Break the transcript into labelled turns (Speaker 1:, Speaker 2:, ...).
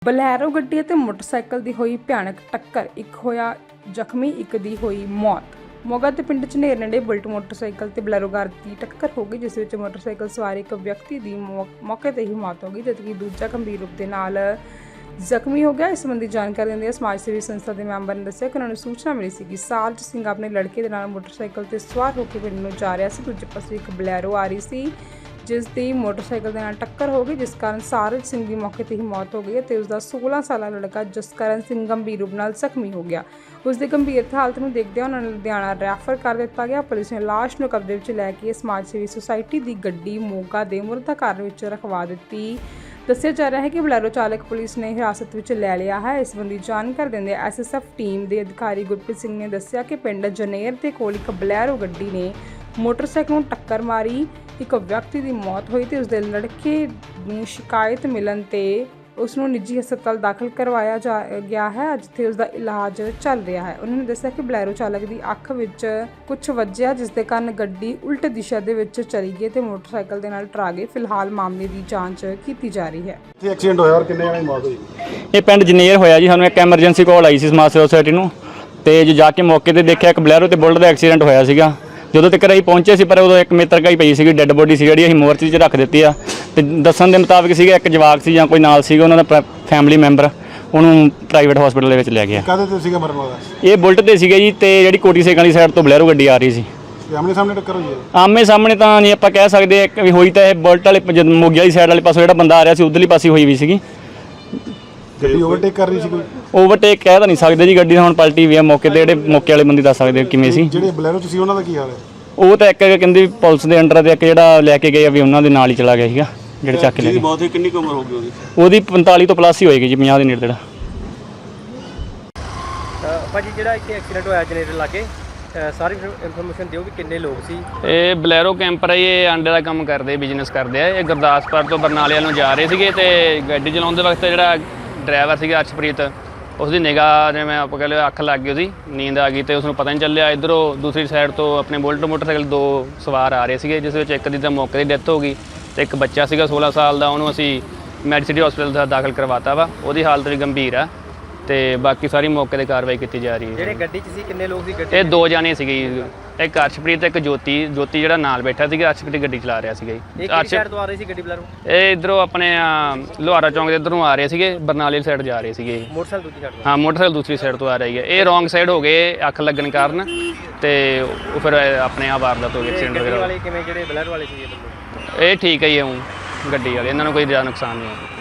Speaker 1: Bolero ਗੱਡੀ ਅਤੇ motorcycle ਦੀ ਹੋਈ ਭਿਆਨਕ ਟੱਕਰ, ਇੱਕ ਹੋਇਆ ਜ਼ਖਮੀ, ਇੱਕ ਦੀ ਹੋਈ ਮੌਤ। ਮੋਗਾ ਤੇ ਪਿੰਡ ਝਨੇਰ ਨੇੜੇ ਬੁਲਟ ਮੋਟਰਸਾਈਕਲ ਤੇ ਬਲੈਰੋ ਕਾਰ ਦੀ ਟੱਕਰ ਹੋ ਗਈ, ਜਿਸ ਵਿੱਚ ਮੋਟਰਸਾਈਕਲ ਸਵਾਰ ਇੱਕ ਵਿਅਕਤੀ ਦੀ ਮੌਕੇ ਤੇ ਹੀ ਮੌਤ ਹੋ ਗਈ, ਜਦਕਿ ਦੂਜਾ ਗੰਭੀਰ ਰੂਪ ਦੇ ਨਾਲ ਜ਼ਖਮੀ ਹੋ ਗਿਆ। ਇਸ ਸੰਬੰਧੀ ਜਾਣਕਾਰੀ ਦਿੰਦਿਆਂ ਸਮਾਜ ਸੇਵੀ ਸੰਸਥਾ ਦੇ ਮੈਂਬਰ ਨੇ ਦੱਸਿਆ ਕਿ ਉਹਨਾਂ ਨੂੰ ਸੂਚਨਾ ਮਿਲੀ ਸੀ ਕਿ ਸਾਲਜ ਸਿੰਘ ਆਪਣੇ ਲੜਕੇ ਦੇ ਨਾਲ ਮੋਟਰਸਾਈਕਲ ਤੇ ਸਵਾਰ ਹੋ ਕੇ ਪਿੰਡ ਨੂੰ ਜਾ ਰਿਹਾ ਸੀ। ਦੂਜੇ ਪਾਸੇ ਇੱਕ ਬਲੈਰੋ ਆ ਰਹੀ ਸੀ, ਜਿਸ ਦੀ ਮੋਟਰਸਾਈਕਲ ਦੇ ਨਾਲ ਟੱਕਰ ਹੋ ਗਈ, ਜਿਸ ਕਾਰਨ ਸਾਰਜ ਸਿੰਘ ਦੀ ਮੌਕੇ ਤੇ ਹੀ ਮੌਤ ਹੋ ਗਈ ਅਤੇ ਉਸ ਦਾ 16 ਸਾਲਾ ਲੜਕਾ ਜਸਕਰਨ ਸਿੰਘ ਗੰਭੀਰ ਰੂਪ ਨਾਲ ਜ਼ਖਮੀ ਹੋ ਗਿਆ। ਉਸ ਦੀ ਗੰਭੀਰ ਹਾਲਤ ਨੂੰ ਦੇਖਦਿਆਂ ਉਹਨਾਂ ਨੂੰ ਲੁਧਿਆਣਾ ਰੈਫਰ ਕਰ ਦਿੱਤਾ ਗਿਆ। ਪੁਲਿਸ ਨੇ ਲਾਸ਼ ਨੂੰ ਕਬਜ਼ੇ ਵਿੱਚ ਲੈ ਕੇ ਸਮਾਜ ਸੇਵੀ ਸੁਸਾਇਟੀ ਦੀ ਗੱਡੀ ਮੋਗਾ ਦੇ ਮੁਰਦਾ ਘਰ ਵਿੱਚ ਰਖਵਾ ਦਿੱਤੀ। ਦੱਸਿਆ ਜਾ ਰਿਹਾ ਹੈ ਕਿ ਬਲੈਰੋ ਚਾਲਕ ਪੁਲਿਸ ਨੇ ਹਿਰਾਸਤ ਵਿੱਚ ਲੈ ਲਿਆ ਹੈ। ਇਸ ਸੰਬੰਧੀ ਜਾਣਕਾਰੀ ਦਿੰਦੇ ਐਸਐਸਐਫ ਟੀਮ ਦੇ ਅਧਿਕਾਰੀ ਗੁਰਪ੍ਰੀਤ ਸਿੰਘ ਨੇ ਦੱਸਿਆ ਕਿ ਪਿੰਡ ਜਨੇਰ ਦੇ ਕੋਲ ਇੱਕ ਬਲੈਰੋ ਗੱਡੀ ਨੇ ਮੋਟਰਸਾਈਕਲ ਨੂੰ ਟੱਕਰ ਮਾਰੀ। ਇੱਕ ਵਿਅਕਤੀ ਦੀ ਮੌਤ ਹੋਈ ਤੇ ਉਸ ਦੇ ਲੜਕੇ ਨੂੰ ਸ਼ਿਕਾਇਤ ਮਿਲਣ ਤੇ ਉਸ ਨੂੰ ਨਿੱਜੀ ਹਸਪਤਾਲ ਦਾਖਲ ਕਰਵਾਇਆ ਗਿਆ ਹੈ, ਜਿੱਥੇ ਉਸ ਦਾ ਇਲਾਜ ਚੱਲ ਰਿਹਾ ਹੈ। ਉਹਨਾਂ ਨੇ ਦੱਸਿਆ ਕਿ ਬਲੈਰੋ ਚਾਲਕ ਦੀ ਅੱਖ ਵਿੱਚ ਕੁਝ ਵੱਜਿਆ, ਜਿਸ ਦੇ ਕਾਰਨ ਗੱਡੀ ਉਲਟ ਦਿਸ਼ਾ ਦੇ ਵਿੱਚ ਚਲੀ ਗਈ ਤੇ ਮੋਟਰਸਾਈਕਲ ਦੇ ਨਾਲ ਟਕਰਾ ਗਈ। ਫਿਲਹਾਲ ਮਾਮਲੇ ਦੀ ਜਾਂਚ ਕੀਤੀ ਜਾ ਰਹੀ ਹੈ।
Speaker 2: ਇਹ ਐਕਸੀਡੈਂਟ ਹੋਇਆ ਔਰ ਕਿੰਨੇ ਜਣਿਆਂ ਦੀ ਮੌਤ ਹੋਈ?
Speaker 3: ਇਹ ਪਿੰਡ ਜਨੇਰ ਹੋਇਆ ਜੀ। ਸਾਨੂੰ ਇੱਕ ਐਮਰਜੈਂਸੀ ਕਾਲ ਆਈ ਸੀ ਸਮਾਜ ਸੇਵਾ ਸੁਸਾਇਟੀ ਨੂੰ, ਤੇ ਜੋ ਜਾ ਕੇ ਮੌਕੇ ਤੇ ਦੇਖਿਆ ਇੱਕ ਬਲੈਰੋ ਤੇ ਬੁਲਟ ਦਾ ਐਕਸੀਡੈਂਟ ਹੋਇਆ ਸੀਗਾ। ਜਦੋਂ ਤੱਕ ਅਸੀਂ ਪਹੁੰਚੇ ਸੀ, ਪਰ ਉਦੋਂ ਇੱਕ ਮਿੱਤਰ ਕਾਈ ਪਈ ਸੀਗੀ, ਡੈੱਡ ਬੋਡੀ ਸੀ ਜਿਹੜੀ ਅਸੀਂ ਮੋਰਚੇ 'ਚ ਰੱਖ ਦਿੱਤੀ ਆ। ਤੇ ਦੱਸਣ ਦੇ ਮੁਤਾਬਿਕ ਸੀਗਾ ਇੱਕ ਜਵਾਕ ਸੀ ਜਾਂ ਕੋਈ ਨਾਲ ਸੀਗਾ ਉਹਨਾਂ ਦਾ ਫੈਮਿਲੀ ਮੈਂਬਰ, ਉਹਨੂੰ ਪ੍ਰਾਈਵੇਟ ਹਸਪੀਟਲ ਦੇ ਵਿੱਚ ਲੈ ਗਿਆ।
Speaker 2: ਕਾਹਦੇ ਤੇ ਸੀਗਾ ਮਰਨ ਵਾਲਾ?
Speaker 3: ਇਹ ਬੁਲਟ ਤੇ ਸੀਗਾ ਜੀ, ਤੇ ਜਿਹੜੀ ਕੋਟੀ ਸੇਕਾਂ ਵਾਲੀ ਸਾਈਡ ਤੋਂ ਬਲੈਰੋ ਗੱਡੀ ਆ ਰਹੀ ਸੀ।
Speaker 2: ਆਮਣੇ ਸਾਹਮਣੇ ਟੱਕਰ ਹੋਈ ਹੈ?
Speaker 3: ਆਮੇ ਸਾਹਮਣੇ ਤਾਂ ਨਹੀਂ ਆਪਾਂ ਕਹਿ ਸਕਦੇ ਵੀ ਹੋਈ, ਤਾਂ ਇਹ ਬੁਲਟ ਵਾਲੇ ਜਦੋਂ ਮੋਗੇ ਵਾਲੀ ਸਾਈਡ ਵਾਲੇ ਪਾਸੋਂ ਜਿਹੜਾ ਬੰਦਾ ਆ ਰਿਹਾ ਸੀ ਉਧਰਲੀ ਪਾਸੇ ਹੋਈ ਵੀ ਸੀਗੀ।
Speaker 2: ਗੱਡੀ ਓਵਰਟੇਕ ਕਰ ਰਹੀ ਸੀ ਕੋਈ?
Speaker 3: ਓਵਰਟੇਕ ਕਹਿ ਤਾਂ ਨਹੀਂ ਸਕਦੇ ਜੀ, ਗੱਡੀ ਹੁਣ ਪਲਟੀ ਵੀ ਆ ਮੌਕੇ ਤੇ। ਜਿਹੜੇ ਮੌਕੇ ਵਾਲੇ ਬੰਦੇ ਦੱਸ ਸਕਦੇ ਕਿਵੇਂ ਸੀ।
Speaker 2: ਜਿਹੜੇ ਬਲੈਰੋ 'ਚ ਸੀ ਉਹਨਾਂ ਦਾ ਕੀ ਹਾਲ ਹੈ?
Speaker 3: ਉਹ ਤਾਂ ਇੱਕ ਕਹਿੰਦੇ ਪੁਲਿਸ ਦੇ ਅੰਡਰ ਤੇ ਇੱਕ ਜਿਹੜਾ ਲੈ ਕੇ ਗਏ ਆ ਵੀ ਉਹਨਾਂ ਦੇ ਨਾਲ ਹੀ ਚਲਾ ਗਿਆ ਸੀਗਾ, ਜਿਹੜੇ ਚੱਕ ਕੇ ਲੈ ਗਏ।
Speaker 4: ਬਹੁਤ ਹੀ ਕਿੰਨੀ ਕੁ ਉਮਰ ਹੋ ਗਈ
Speaker 3: ਉਹਦੀ 45 ਤੋਂ ਪਲੱਸ ਹੀ ਹੋਏਗੀ ਜੀ, 50 ਦੇ ਨੇੜੇ ਤੇੜਾ।
Speaker 5: ਭਾਜੀ ਜਿਹੜਾ ਇੱਥੇ ਐਕਸੀਡੈਂਟ ਹੋਇਆ ਜਨਰੇਟਰ ਲਾਗੇ, ਸਾਰੀ ਇਨਫੋਰਮੇਸ਼ਨ ਦਿਓ ਵੀ ਕਿੰਨੇ ਲੋਕ ਸੀ।
Speaker 6: ਇਹ ਬਲੈਰੋ ਕੈਂਪਰ ਹੈ, ਇਹ ਆਂਡੇ ਦਾ ਕੰਮ ਕਰਦੇ, ਬਿਜ਼ਨਸ ਕਰਦੇ ਆ। ਇਹ ਗੁਰਦਾਸਪੁਰ ਤੋਂ ਬਰਨਾਲੇ ਵੱਲ ਨੂੰ ਜਾ ਰਹੇ ਸੀਗੇ ਤੇ ਗੱਡੀ ਚਲਾਉਂਦੇ ਵਕਤ ਜਿਹੜਾ ਡਰਾਈਵਰ ਸੀਗਾ ਅਰਸ਼ਪ੍ਰੀਤ, ਉਸਦੀ ਨਿਗਾਹ ਜਿਵੇਂ ਆਪਾਂ ਕਹਿ ਲਓ ਅੱਖ ਲੱਗ ਗਈ, ਉਹਦੀ ਨੀਂਦ ਆ ਗਈ ਤੇ ਉਸਨੂੰ ਪਤਾ ਨਹੀਂ ਚੱਲਿਆ। ਇੱਧਰੋਂ ਦੂਸਰੀ ਸਾਈਡ ਤੋਂ ਆਪਣੇ ਬੁਲਟ ਮੋਟਰਸਾਈਕਲ ਦੋ ਸਵਾਰ ਆ ਰਹੇ ਸੀਗੇ, ਜਿਸ ਵਿੱਚ ਇੱਕ ਦੀ ਤਾਂ ਮੌਕੇ ਦੀ ਡੈਥ ਹੋ ਗਈ ਤੇ ਇੱਕ ਬੱਚਾ ਸੀਗਾ 16 ਸਾਲ ਦਾ, ਉਹਨੂੰ ਅਸੀਂ ਮੈਡੀਸਿਟੀ ਹਸਪੀਟਲ ਦਾ ਦਾਖਲ ਕਰਵਾਤਾ ਵਾ। ਉਹਦੀ ਹਾਲਤ ਵੀ ਗੰਭੀਰ ਆ ਤੇ ਬਾਕੀ ਸਾਰੀ ਮੌਕੇ ਤੇ ਕਾਰਵਾਈ ਕੀਤੀ ਜਾ ਰਹੀ ਹੈ।
Speaker 5: ਜਿਹੜੇ ਗੱਡੀ 'ਚ ਸੀ ਕਿੰਨੇ ਲੋਕ ਸੀ ਗੱਡੀ?
Speaker 6: ਇਹ ਦੋ ਜਾਣੇ ਸੀਗੇ, ਇੱਕ ਅਰਸ਼ਪ੍ਰੀਤ, ਇੱਕ ਜੋਤੀ ਜਿਹੜਾ ਨਾਲ ਬੈਠਾ ਸੀਗਾ। ਅਰਸ਼ਪ੍ਰੀਤ ਗੱਡੀ ਚਲਾ ਰਿਹਾ ਸੀਗਾ ਜੀ।
Speaker 5: ਕਿਹੜੀ ਸਾਈਡ ਤੋਂ ਆ ਰਹੀ ਸੀ ਗੱਡੀ ਬਲੈਰੋ?
Speaker 6: ਇਹ ਇੱਧਰੋਂ ਆਪਣੇ ਲੋਹਾਰਾ ਚੌਂਕ ਦੇ ਇੱਧਰੋਂ ਆ ਰਹੇ ਸੀਗੇ, ਬਰਨਾਲੇ ਸਾਈਡ ਜਾ ਰਹੇ ਸੀਗੇ।
Speaker 5: ਮੋਟਰਸਾਈਕਲ ਦੂਜੀ ਸਾਈਡ ਤੋਂ?
Speaker 6: ਹਾਂ, ਮੋਟਰਸਾਈਕਲ ਦੂਸਰੀ ਸਾਈਡ ਤੋਂ ਆ ਰਹੀ ਹੈ। ਇਹ ਰੋਂਗ ਸਾਈਡ ਹੋ ਗਏ ਅੱਖ ਲੱਗਣ ਕਾਰਨ, ਤੇ ਉਹ ਫਿਰ ਆਪਣੇ ਆਪ ਵਾਰਦਾਤ ਹੋ ਗਈ, ਐਕਸੀਡੈਂਟ
Speaker 5: ਗੱਡੀ
Speaker 6: ਵਗੈਰਾ।
Speaker 5: ਵਾਲੇ ਕਿਵੇਂ, ਜਿਹੜੇ ਬਲੈਰੋ ਵਾਲੇ ਸੀ
Speaker 6: ਇਹ ਠੀਕ ਹੈ ਜੀ, ਗੱਡੀ ਵਾਲੇ ਇਹਨਾਂ ਨੂੰ ਕੋਈ ਜ਼ਿਆਦਾ ਨੁਕਸਾਨ ਨਹੀਂ ਹੋਇਆ।